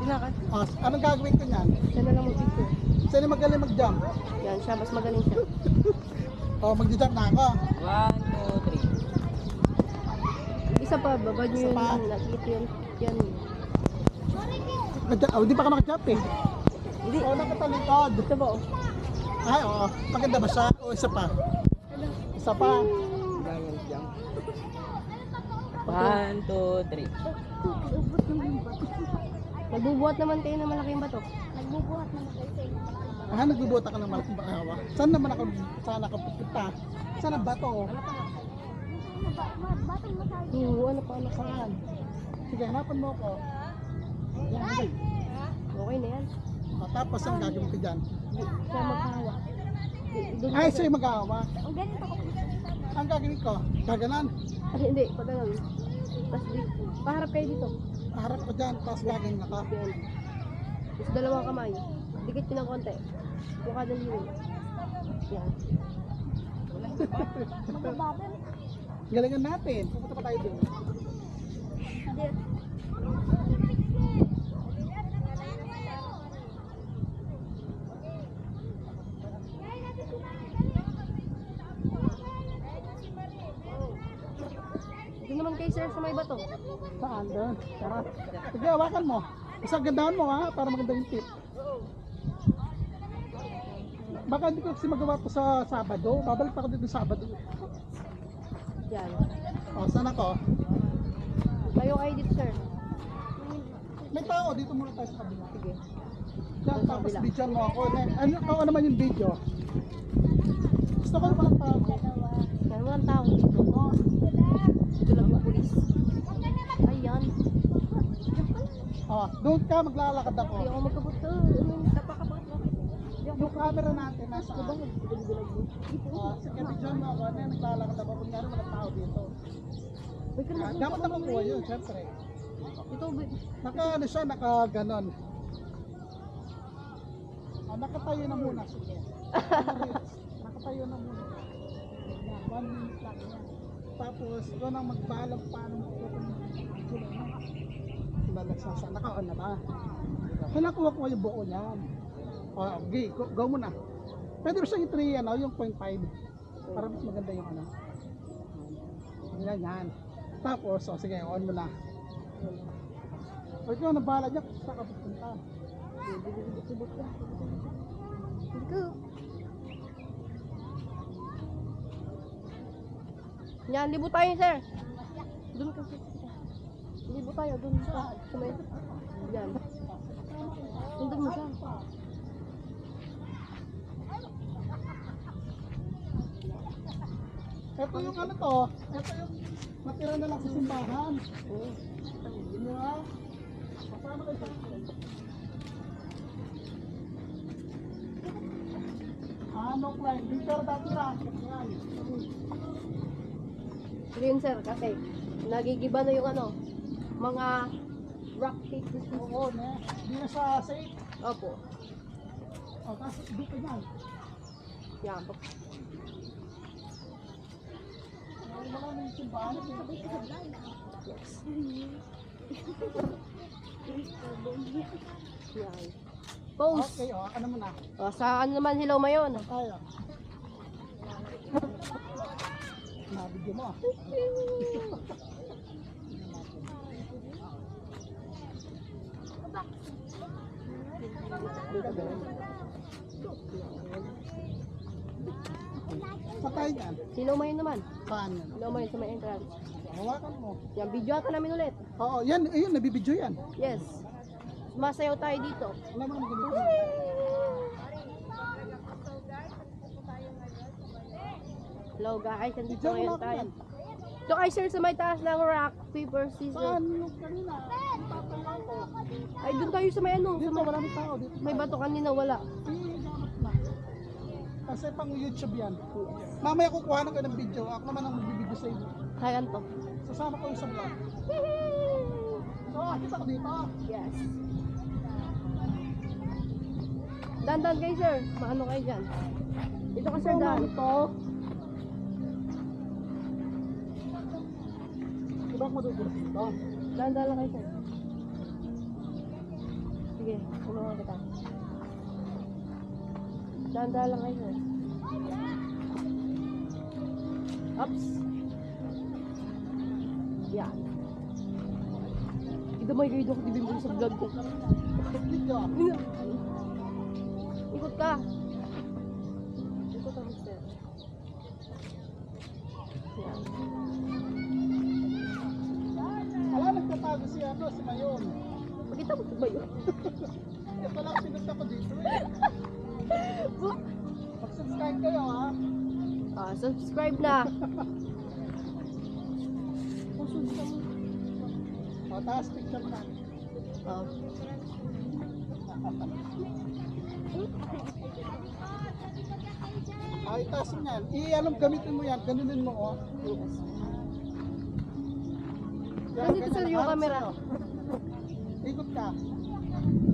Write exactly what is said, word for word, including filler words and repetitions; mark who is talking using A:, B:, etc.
A: Lakad.
B: Oh, anong gagawin ko niyan?
A: Siya na lang mag-picture.
B: Sino magaling mag-jump?
A: Yan siya, mas magaling siya.
B: Oh, mag-jump na ako.
C: One, two, three.
A: Isa pa, baba niyo
B: Isa
A: yun.
B: pa?
A: Nakikita yun. Yan.
B: Mag- oh, di pa ka nakajump eh.
A: Hindi.
B: Oh, nakatalikod.
A: Ito ba oh?
B: Ay, oo. Maganda ba siya? O isa pa? Isa pa.
C: Ganyan jump. One, two, three.
A: Nagbubuhat naman kayo ng malaking bato.
D: Nagbubuhat naman kayo sa inyo.
B: Ah, nagbubuta ka ng malaking bakawa. Saan naman ako, saan ako pupunta? Saan ang bato?
D: Ano ba? Ma- Batang masabi.
A: Oo, ano pa, ano pa.
B: Saan? Sige, hanapan mo ako. Yan, yan.
A: Okay na yan.
B: Oh, tapos ang gagawin ko dyan?
A: Siya magkahawa. Doon
B: Ay, sa'yo mag-aawa.
D: Ang ganito ko.
B: Ang gagawin ko, gaganan.
A: Ay, hindi, pag ganun. Tapos dito. Paharap kayo dito.
B: Harap ko dyan, tapos gaganin ako.
A: Yan. Tapos dalawang kamay. Dikit ko ng konti. Mukha ng liwin. Yan.
D: Magbababel.
B: Galingan natin. Pupunta pa tayo dun.
D: Hindi.
A: Ito naman kayo sir sa may bato.
B: Saan doon? Tara. Sige, hawakan mo. Isang gandaan mo ha, para maganda yung tip. Baka hindi ko kasi magawa to sa Sabado. Babalik pa ako dito Sabado.
A: Yan.
B: O, saan ako?
A: Tayo kayo dito sir.
B: May tao, dito muna tayo sa kabila.
A: Sige.
B: Yan,
A: Sa
B: tapos
A: kabila.
B: video mo ako. Ano, ano naman yung video? Gusto ko walang tao.
A: Yan, walang tao dito. Dito lang yung pulis. Ayan.
B: O, doon ka, maglalakad ako.
A: Hindi ako magkabuto. Napakabot mo.
B: Yung camera natin, nasa
A: Diba?
B: O, sige, video mo ako. Ano, naglalakad ako. Kung gano'n walang tao dito.
A: Uy, ka
B: Ah,
A: na.
B: dapat nakukuha yun, syempre.
A: Ito, ba-
B: Naka ano siya, naka ganon. Ah, nakatayo na muna, sige. Nakatayo na muna. Yan, one minute lang yan. Tapos, ikaw nang magbalang paano mo ito kung balagsasa. Naka-on na ba? Kailangan kuha ko yung buo niyan. O, okay, go, go muna. Pwede mo siyang i-three, ano, yung point five. Para mas maganda yung ano. Yan, yan. Tapos, o sige, on mo na. O ikaw, nabala niya kung saan ka pupunta.
A: Ito. Yan, libo tayo sir. Doon kasi. Libo tayo, doon sa sa may. Yan. Doon mo siya.
B: Ito yung ano to, ito yung natira na lang sa simbahan.
A: Oo.
B: Hindi ha? Kasama kayo sa akin. Ano Clyde? Dito dati na. Yan.
A: Green sir, kasi nagigiba na yung ano, mga rock pieces.
B: Oo, ne. Hindi na sa safe.
A: Opo.
B: O, tapos dito yan.
A: Yan.
B: Wala na yung simbahan.
A: Yes. Yan. Pose.
B: Okay, o. Ano mo na?
A: O, sa ano naman hilaw mayon?
B: Kaya. Nabigyan mo. Patay yan.
A: Hilaw mayon naman.
B: Saan yan?
A: Hilaw mayon sa may entrance.
B: Hawakan mo.
A: Yan, video ata namin ulit.
B: Oo, yan. Ayun, nabibidyo yan.
A: Yes. Masayaw tayo dito.
B: Alam mo naman ganito.
A: Hello guys, nandito
B: Video mo
A: ngayon
B: lang
A: tayo.
B: yan.
A: So guys, sir, sa may taas ng rock, paper, scissors.
B: Saan yung kanina? Tatalaw ko.
A: Ay, doon tayo sa may ano. Sa
B: Dito,
A: may,
B: maraming tao. Dito.
A: may bato kanina, wala.
B: Eh, dapat na. Kasi pang YouTube yan. Mamaya kukuha na ko ng video. Ako naman ang magbibideo sa inyo.
A: Kaya to.
B: Sasama ko yung sa vlog. So, akit ako dito.
A: Yes. Dandan kayo, sir. Maano kayo dyan? Dito ka, sir,
B: Ito,
A: dan.
B: ito. Diba ako madudulas dito?
A: Dandan lang kayo, sir. Sige, tulungan kita. Dahan-dahan lang kayo. sir. Ups. Yan. Idamay kayo doon, di mo sa vlog ko.
B: Video.
A: Ikot ka. Ikot ang mister. Yan.
B: Wala, nagtatago si ano, si Mayon.
A: Pakita mo ba yun?
B: Ito lang pinunta ko dito eh. Mag-subscribe kayo ha.
A: Ah, subscribe na. Pusunod ka mo.
B: O, taas picture na.
A: Ah.
B: Ah, itaas mo yan. I-alam, gamitin mo yan. Ganunin mo oh.
A: Yes.
B: Yan,
A: Nandito
B: ganyan.
A: sir yung
B: Harap
A: camera.
B: sa'yo. Ikot ka.